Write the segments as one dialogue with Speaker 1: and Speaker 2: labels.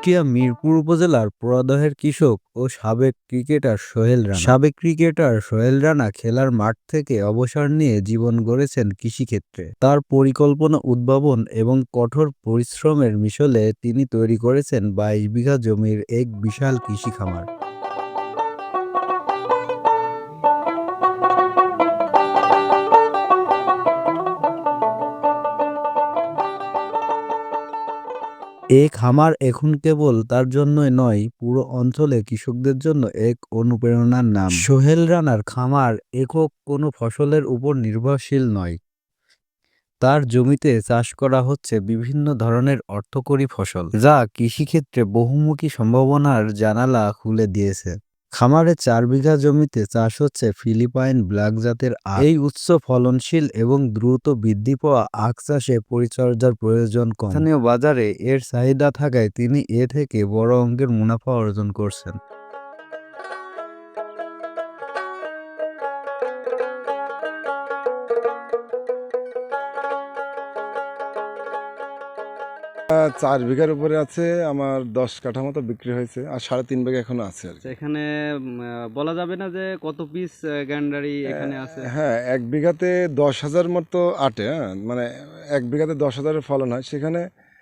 Speaker 1: কুষ্টিয়া মিরপুর উপজেলার পোড়াদহের কৃষক ও সাবেক ক্রিকেটার সোহেল রানা খেলার মাঠ থেকে অবসর নিয়ে জীবন গড়েছেন কৃষিক্ষেত্রে। তার পরিকল্পনা, উদ্ভাবন এবং কঠোর পরিশ্রমের মিশলে তিনি তৈরি করেছেন ২২ বিঘা জমির এক বিশাল কৃষি খামার। এই খামার এখন কেবল তার জন্যই নয়, পুরো অঞ্চলে কৃষকদের জন্য এক অনুপ্রেরণার নাম। সোহেল রানার খামার একক কোনো ফসলের উপর নির্ভরশীল নয়। তার জমিতে চাষ করা হচ্ছে বিভিন্ন ধরনের অর্থকরী ফসল, যা কৃষিক্ষেত্রে বহুমুখী সম্ভাবনার জানালা খুলে দিয়েছে। খামারে ৪ বিঘা জমিতে চাষ হচ্ছে ফিলিপাইন ব্ল্যাক জাতের আখ। এই উচ্চ ফলনশীল এবং দ্রুত বৃদ্ধি পাওয়া আখ চাষে পরিচর্যার প্রয়োজন কম। স্থানীয় বাজারে এর চাহিদা থাকায় তিনি এ থেকে বড় অঙ্কের মুনাফা অর্জন করছেন।
Speaker 2: ৪ বিঘার উপরে আছে, আমার ১০ কাঠা মতো বিক্রি হয়েছে, আর ৩.৫ বিঘা এখনো আছে আর কি।
Speaker 3: এখানে বলা যাবে না যে কত পিস গ্যান্ডারি এখানে আছে?
Speaker 2: হ্যাঁ, ১ বিঘাতে ১০,০০০ মতো আটে। হ্যাঁ, মানে ১ বিঘাতে ১০,০০০ ফলন হয়। সেখানে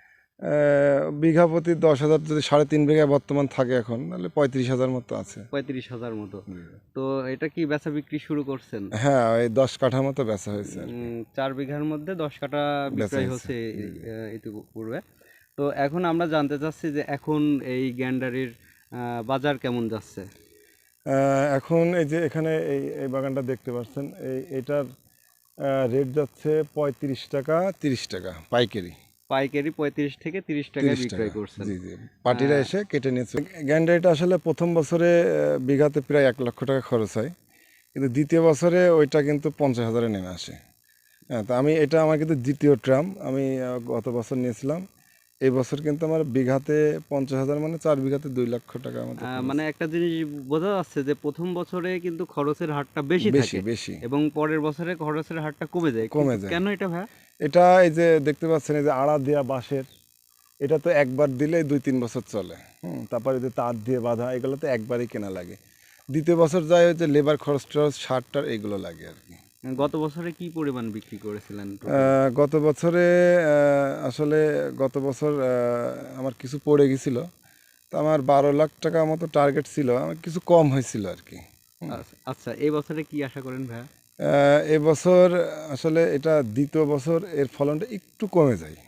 Speaker 2: বিঘা প্রতি ১০,০০০ যদি ৩.৫ বিঘা বর্তমান থাকে এখন, তাহলে ৩৫,০০০ মতো আছে।
Speaker 3: ৩৫,০০০ মতো। তো এটা কি বেচা বিক্রি শুরু করছেন?
Speaker 2: হ্যাঁ, ওই ১০ কাঠা মতো বেচা হয়েছে আর কি।
Speaker 3: ৪ বিঘার মধ্যে ১০ কাঠা
Speaker 2: বেচা
Speaker 3: বিক্রয়
Speaker 2: হয়েছে।
Speaker 3: হচ্ছে ইতিপূর্বে। তো এখন আমরা জানতে চাচ্ছি যে এখন এই গ্যান্ডারির বাজার কেমন যাচ্ছে?
Speaker 2: এখন এই যে এখানে এই বাগানটা দেখতে পাচ্ছেন, এটার রেট যাচ্ছে ৩৫ টাকা ৩০ টাকা পাইকারি।
Speaker 3: পাইকারি ৩৫ থেকে ৩০ টাকায় বিক্রয় করছেন।
Speaker 2: জি জি, পার্টিরা এসে কেটে নিয়েছে। গ্যান্ডারিটা আসলে প্রথম বছরে বিঘাতে প্রায় ১,০০,০০০ টাকা খরচ হয়, কিন্তু দ্বিতীয় বছরে ওইটা কিন্তু ৫০,০০০-এ নেমে আসে। হ্যাঁ, তো এটা আমার কিন্তু দ্বিতীয় ট্রাম। আমি গত বছর নিয়েছিলাম। এই বছর কিন্তু আমার বিঘাতে ৫০,০০০, মানে ৪ বিঘাতে ২,০০,০০০ টাকা মতো খরচ।
Speaker 3: মানে একটা জিনিস বোঝা যাচ্ছে যে প্রথম বছরে কিন্তু খরচের হারটা বেশি থাকে
Speaker 2: বেশি
Speaker 3: এবং পরের বছরে খরচের হারটা কমে যায়। কেন এটা ভাই?
Speaker 2: এটা এই যে দেখতে পাচ্ছেন, এই যে আড়া দেওয়া বাঁশের, এটা তো একবার দিলেই ২-৩ বছর চলে। তারপরে যে তার দিয়ে বাঁধা, এগুলো তো একবারই কেনা লাগে। দ্বিতীয় বছর যায় হচ্ছে লেবার খরচ টরচ, সার টার এগুলো লাগে আর কি।
Speaker 3: গত বছরে কি পরিমাণ বিক্রি করেছিলেন?
Speaker 2: গত বছরে আসলে গত বছর আমার কিছু পড়ে গেছিলো, তো আমার ১২ লাখ টাকা মতো টার্গেট ছিল, আমার কিছু কম হয়েছিল আর কি।
Speaker 3: আচ্ছা, এই বছরে কি আশা করেন ভাইয়া?
Speaker 2: এবছর আসলে এটা দ্বিতীয় বছর, এর ফলনটা একটু কমে যায়।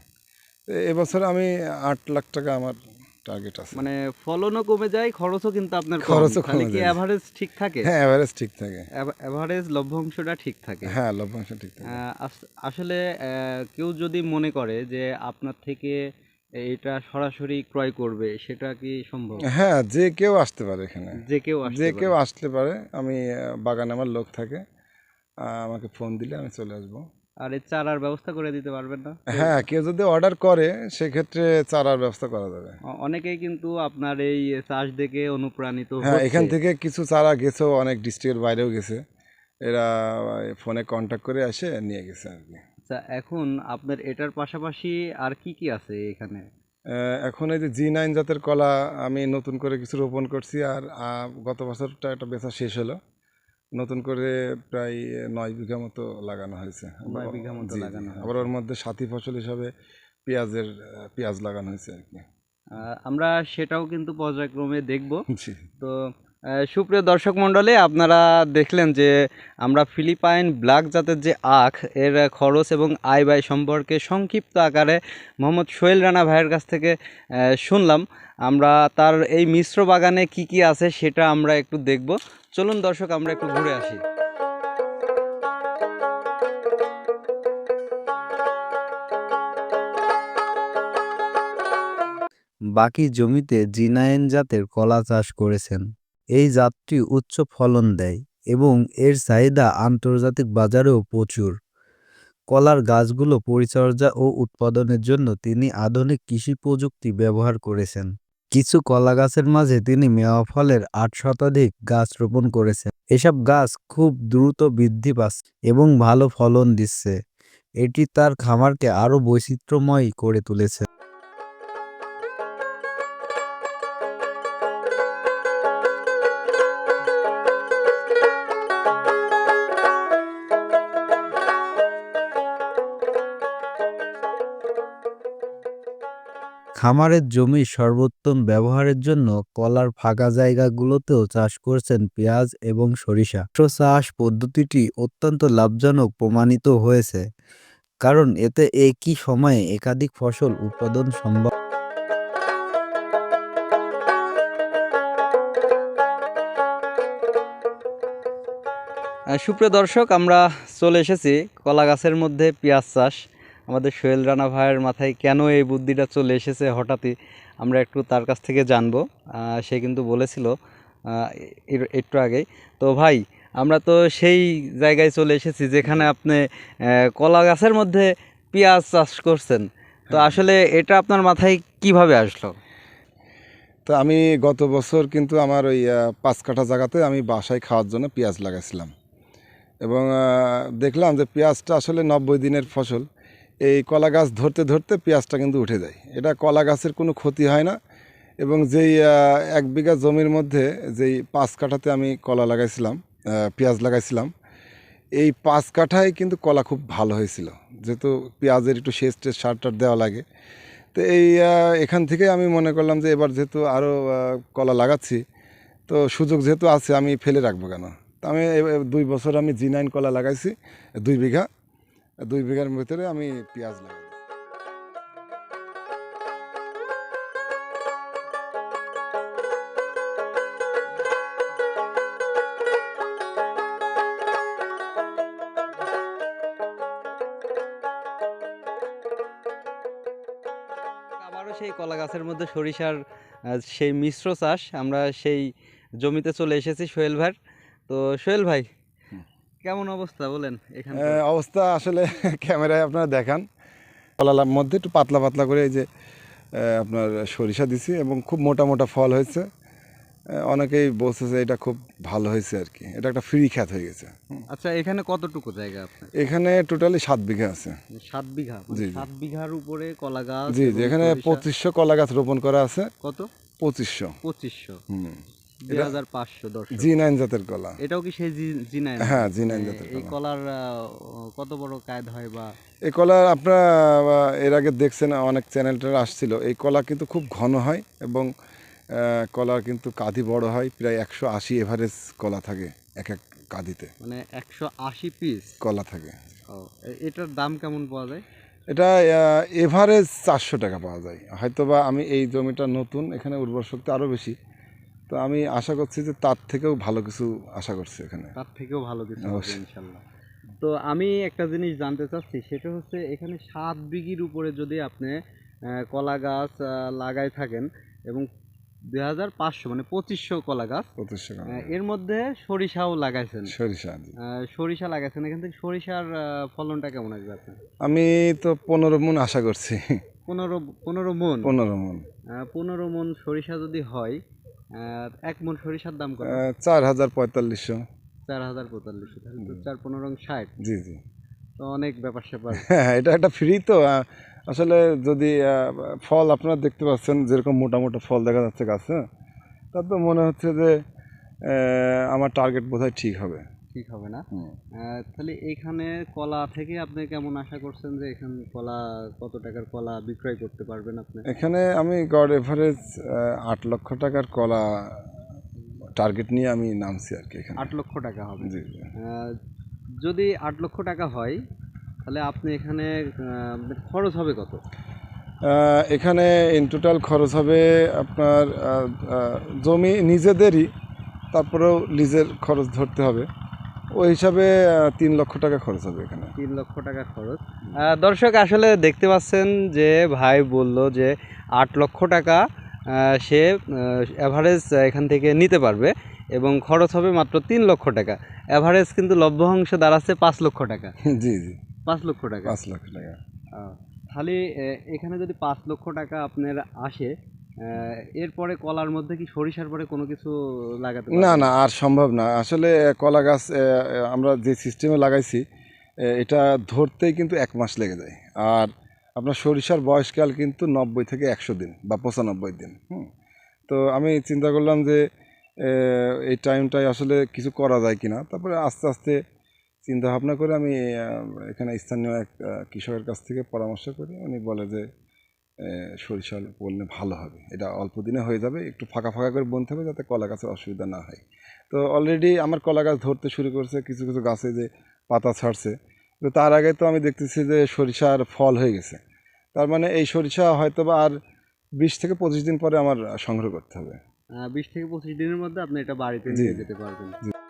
Speaker 2: এবছর আমি ৮ লাখ টাকা আমার টার্গেট আছে।
Speaker 3: মানে ফলনও কমে যায়, খরচও কিন্তু আপনার কম।
Speaker 2: খরচও
Speaker 3: তাহলে
Speaker 2: কমে
Speaker 3: কি
Speaker 2: যায়।
Speaker 3: এভারেজ ঠিক থাকে?
Speaker 2: হ্যাঁ, এভারেজ ঠিক থাকে।
Speaker 3: এভারেজ লভ্যাংশটা ঠিক থাকে।
Speaker 2: হ্যাঁ, লভ্যাংশ ঠিক থাকে।
Speaker 3: আসলে কেউ যদি মনে করে যে আপনার থেকে এটা সরাসরি ক্রয় করবে, সেটা কি সম্ভব?
Speaker 2: হ্যাঁ, যে কেউ আসতে পারে এখানে।
Speaker 3: যে কেউ
Speaker 2: আসতে পারে। আমি বাগানে আমার লোক থাকে, আমাকে ফোন দিলে আমি চলে আসবো।
Speaker 3: আর এই চারার ব্যবস্থা করে দিতে পারবেন না?
Speaker 2: হ্যাঁ, কেউ যদি অর্ডার করে সেক্ষেত্রে চারার ব্যবস্থা করা যাবে।
Speaker 3: অনেকেই কিন্তু আপনার এই চাষ দেখে অনুপ্রাণিত
Speaker 2: হ্যাঁ,
Speaker 3: হচ্ছে।
Speaker 2: এখান থেকে কিছু চারা গেছেও, অনেক ডিস্ট্রিক্টের বাইরেও গেছে। এরা ফোনে কন্ট্যাক্ট করে এসে নিয়ে গেছে আর কি।
Speaker 3: আচ্ছা, এখন আপনার এটার পাশাপাশি আর কি কি আছে এখানে?
Speaker 2: এখন এই যে G9 জাতের কলা আমি নতুন করে কিছু রোপণ করছি, আর গত বছরটা একটা বেচা শেষ হলো। নতুন করে প্রায় ৯ বিঘা মতো লাগানো হয়েছে।
Speaker 3: ৯ বিঘা মতো লাগানো হয়েছে।
Speaker 2: আবার ওর মধ্যে সাথী ফসল হিসাবে পেঁয়াজ লাগানো হয়েছে আর কি।
Speaker 3: আমরা সেটাও কিন্তু পর্যায়ক্রমে দেখব।
Speaker 2: জি।
Speaker 3: তো সুপ্রিয় দর্শক মণ্ডলী, আপনারা দেখলেন যে আমরা ফিলিপাইন ব্ল্যাক জাতের যে আখ, এর খরচ এবং আয় ব্যয় সম্পর্কে সংক্ষিপ্ত আকারে মোহাম্মদ সোহেল রানা ভাইয়ের কাছ থেকে শুনলাম। আমরা তার এই মিশ্র বাগানে কি কি আছে সেটা আমরা একটু দেখব। চলুন দর্শক, আমরা একটু ঘুরে আসি।
Speaker 1: বাকি জমিতে G9 জাতের কলা চাষ করেছেন। এই জাতটি উচ্চ ফলন দেয় এবং এর চাহিদা আন্তর্জাতিক বাজারেও প্রচুর। কলার গাছগুলো পরিচর্যা ও উৎপাদনের জন্য তিনি আধুনিক কৃষি প্রযুক্তি ব্যবহার করেছেন। কিছু কলা গাছের মাঝে তিনি মেওয়া ফলের ৮ শতাধিক গাছ রোপণ করেছেন। এসব গাছ খুব দ্রুত বৃদ্ধি পাচ্ছে এবং ভালো ফলন দিচ্ছে। এটি তার খামারকে আরও বৈচিত্র্যময় করে তুলেছে। খামারের জমির সর্বোত্তম ব্যবহারের জন্য কলার ফাঁকা জায়গাগুলোতেও চাষ করছেন পেঁয়াজ এবং সরিষা। মিশ্র চাষ পদ্ধতিটি অত্যন্ত লাভজনক প্রমাণিত হয়েছে, কারণ এতে একই সময়ে একাধিক ফসল উৎপাদন সম্ভব।
Speaker 3: সুপ্রিয় দর্শক, আমরা চলে এসেছি কলা গাছের মধ্যে পেঁয়াজ চাষ। আমাদের সোহেল রানা ভাইয়ের মাথায় কেন এই বুদ্ধিটা চলে এসেছে হঠাৎই, আমরা একটু তার কাছ থেকে জানবো। সে কিন্তু বলেছিল একটু আগেই। তো ভাই, আমরা তো সেই জায়গায় চলে এসেছি যেখানে আপনি কলা গাছের মধ্যে পেঁয়াজ চাষ করছেন। তো আসলে এটা আপনার মাথায় কিভাবে আসলো?
Speaker 2: তো আমি গত বছর কিন্তু আমার ওই 5 কাঠা জায়গাতে আমি বাসায় খাওয়ার জন্য পেঁয়াজ লাগাইছিলাম, এবং দেখলাম যে পেঁয়াজটা আসলে 90 দিনের ফসল। এই কলা গাছ ধরতে ধরতে পেঁয়াজটা কিন্তু উঠে যায়। এটা কলা গাছের কোনো ক্ষতি হয় না। এবং যেই 1 বিঘা জমির মধ্যে যেই 5 কাঠাতে আমি কলা লাগাইছিলাম, পেঁয়াজ লাগাইছিলাম, এই 5 কাঠায় কিন্তু কলা খুব ভালো হয়েছিল, যেহেতু পেঁয়াজের একটু সেচ টেচ সার টার দেওয়া লাগে। তো এই এখান থেকে আমি মনে করলাম যে এবার যেহেতু আরও কলা লাগাচ্ছি, তো সুযোগ যেহেতু আছে আমি ফেলে রাখবো কেন। তো আমি 2 বছর আমি G9 কলা লাগাইছি 2 বিঘা। 2 বিঘার ভিতরে আমি পেঁয়াজ লাগাই।
Speaker 3: আবারও সেই কলা গাছের মধ্যে সরিষার সেই মিশ্র চাষ, আমরা সেই জমিতে চলে এসেছি সোহেল ভাইয়ের। তো সোহেল ভাই, কেমন অবস্থা বলেন এখানে?
Speaker 2: অবস্থা আসলে ক্যামেরায় আপনারা দেখান। কলার মধ্যে একটু পাতলা পাতলা করে এই যে আপনার সরিষা দিছি, এবং খুব মোটা মোটা ফল হয়েছে। অনেকেই বলছে যে এটা খুব ভালো হয়েছে আর কি, এটা একটা ফ্রি খ্যাত হয়ে গেছে।
Speaker 3: আচ্ছা, এখানে কতটুকু জায়গা আপনার?
Speaker 2: এখানে টোটালি 7 বিঘা আছে।
Speaker 3: 7 বিঘা?
Speaker 2: জি, জি।
Speaker 3: 7 বিঘার উপরে কলা গাছ?
Speaker 2: জি,
Speaker 3: এবং
Speaker 2: জি, এখানে
Speaker 3: সরিষা?
Speaker 2: 2500 কলা গাছ রোপণ করা আছে।
Speaker 3: কত?
Speaker 2: 2500।
Speaker 3: 2500?
Speaker 2: হুম।
Speaker 3: 2500 দর্শক।
Speaker 2: G9 জাতের কলা।
Speaker 3: এটাও কি সেই জি9?
Speaker 2: হ্যাঁ, G9 জাতের
Speaker 3: এই
Speaker 2: কলা।
Speaker 3: কলার কত বড় কায়দ হয় বা?
Speaker 2: এই কলা আপনারা এর আগে দেখছেন, অনেক চ্যানেলটার আসছিল। এই কলা কিন্তু খুব ঘন হয়, এবং কলার কিন্তু কাঁদি বড় হয়, প্রায় 180 এভারেজ কলা থাকে এক এক কাঁদিতে,
Speaker 3: মানে 180 পিস
Speaker 2: কলা থাকে।
Speaker 3: ও, এটার দাম কেমন পাওয়া যায়?
Speaker 2: এটা এভারেজ 400 টাকা পাওয়া যায়। হয়তোবা আমি এই জমিটা নতুন, এখানে উর্বর শক্তি আরও বেশি, তো আমি আশা করছি যে তার থেকেও ভালো কিছু আশা করছি এখানে।
Speaker 3: তার থেকেও ভালো কিছু হবে
Speaker 2: অবশ্যই।
Speaker 3: ইনশাল্লাহ। তো আমি একটা জিনিস জানতে চাচ্ছি, সেটা হচ্ছে এখানে 7 বিঘির উপরে যদি আপনি কলা গাছ লাগাই থাকেন, এবং 2500 মানে 2500 কলা গাছ,
Speaker 2: 2500 টাকা।
Speaker 3: এর মধ্যে সরিষাও লাগাইছেন।
Speaker 2: সরিষা, জি।
Speaker 3: সরিষা লাগাইছেন, এখান থেকে সরিষার ফলনটা কেমন আসবে আপনার?
Speaker 2: আমি তো 15 মণ আশা করছি।
Speaker 3: 15 মণ?
Speaker 2: 15 মণ।
Speaker 3: 15 মণ সরিষা যদি হয়, 1 মণ সরিষার দাম কত?
Speaker 2: 4500।
Speaker 3: 4045, তাহলে তো 4-15-60।
Speaker 2: জি, জি।
Speaker 3: তো অনেক ব্যাপার স্যাপার।
Speaker 2: হ্যাঁ, এটা একটা ফ্রি তো। আসলে যদি ফল আপনারা দেখতে পাচ্ছেন, যেরকম মোটা মোটা ফল দেখা যাচ্ছে গাছে, তা তো মনে হচ্ছে যে আমার টার্গেট বোধহয় ঠিক হবে।
Speaker 3: ঠিক হবে না?
Speaker 2: হুম।
Speaker 3: তাহলে এইখানে কলা থেকে আপনি কেমন আশা করছেন যে এখানে কলা, কত টাকার কলা বিক্রয় করতে পারবেন আপনি?
Speaker 2: এখানে আমি গড় এভারেজ 8 লক্ষ টাকার কলা টার্গেট নিয়ে আমি নামছি আর কি এখানে।
Speaker 3: 8 লক্ষ টাকা হবে?
Speaker 2: জি, জি।
Speaker 3: যদি 8 লক্ষ টাকা হয়, তাহলে আপনি এখানে আপনার খরচ হবে কত?
Speaker 2: এখানে ইন টোটাল খরচ হবে আপনার জমি নিজেদেরই, তারপরেও লিজের খরচ ধরতে হবে, ওই হিসাবে 3 লক্ষ টাকা খরচ হবে এখানে।
Speaker 3: 3 লক্ষ টাকা খরচ। দর্শক, আসলে দেখতে পাচ্ছেন যে ভাই বলল যে 8 লক্ষ টাকা সে অ্যাভারেজ এখান থেকে নিতে পারবে, এবং খরচ হবে মাত্র 3 লক্ষ টাকা। অ্যাভারেজ কিন্তু লভ্যাংশ দাঁড়াচ্ছে 5 লক্ষ টাকা।
Speaker 2: জি, জি।
Speaker 3: 5 লক্ষ টাকা।
Speaker 2: 5 লক্ষ টাকা।
Speaker 3: তাহলে এখানে যদি 5 লক্ষ টাকা আপনার আসে, এরপরে কলার মধ্যে কি সরিষার পরে কোনো কিছু লাগাতে
Speaker 2: না,
Speaker 3: পারবেন?
Speaker 2: না, আর সম্ভব না। আসলে কলা গাছ আমরা যে সিস্টেমে লাগাইছি, এটা ধরতেই কিন্তু 1 মাস লেগে যায়। আর আপনার সরিষার বয়সকাল কিন্তু 90 থেকে 100 দিন বা 95 দিন। তো আমি চিন্তা করলাম যে এই টাইমটায় আসলে কিছু করা যায় কিনা। তারপরে আস্তে আস্তে চিন্তা ভাবনা করে আমি এখানে স্থানীয় এক কৃষকের কাছ থেকে পরামর্শ করি। উনি বলে যে সরিষা বললে ভালো হবে। এটা অল্প দিনে হয়ে যাবে, একটু ফাঁকা ফাঁকা করে বুনতে হবে যাতে কলা গাছের অসুবিধা না হয়। তো অলরেডি আমার কলা গাছ ধরতে শুরু করছে, কিছু কিছু গাছে যে পাতা ছাড়ছে, তো তার আগে তো আমি দেখতেছি যে সরিষার ফল হয়ে গেছে। তার মানে এই সরিষা হয়তো বা আর 20 থেকে 25 দিন পরে আমার সংগ্রহ করতে হবে।
Speaker 3: 20 থেকে 25 দিনের মধ্যে আপনি এটা বাড়িতে
Speaker 2: জি,
Speaker 3: নিয়ে যেতে পারবেন।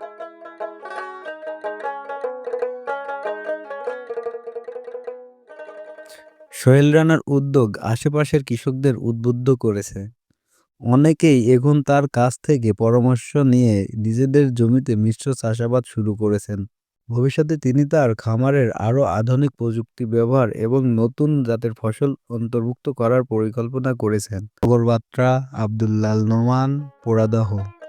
Speaker 1: সোহেল রানার উদ্যোগ আশেপাশের কৃষকদের উদ্বুদ্ধ করেছে। অনেকেই এখন তার কাছ থেকে পরামর্শ নিয়ে নিজেদের জমিতে মিশ্র চাষাবাদ শুরু করেছেন। ভবিষ্যতে তিনি তার খামারের আরও আধুনিক প্রযুক্তি ব্যবহার এবং নতুন জাতের ফসল অন্তর্ভুক্ত করার পরিকল্পনা করেছেন। নগর বার্তা, আব্দুল্লাল নোমান, পোড়াদহ।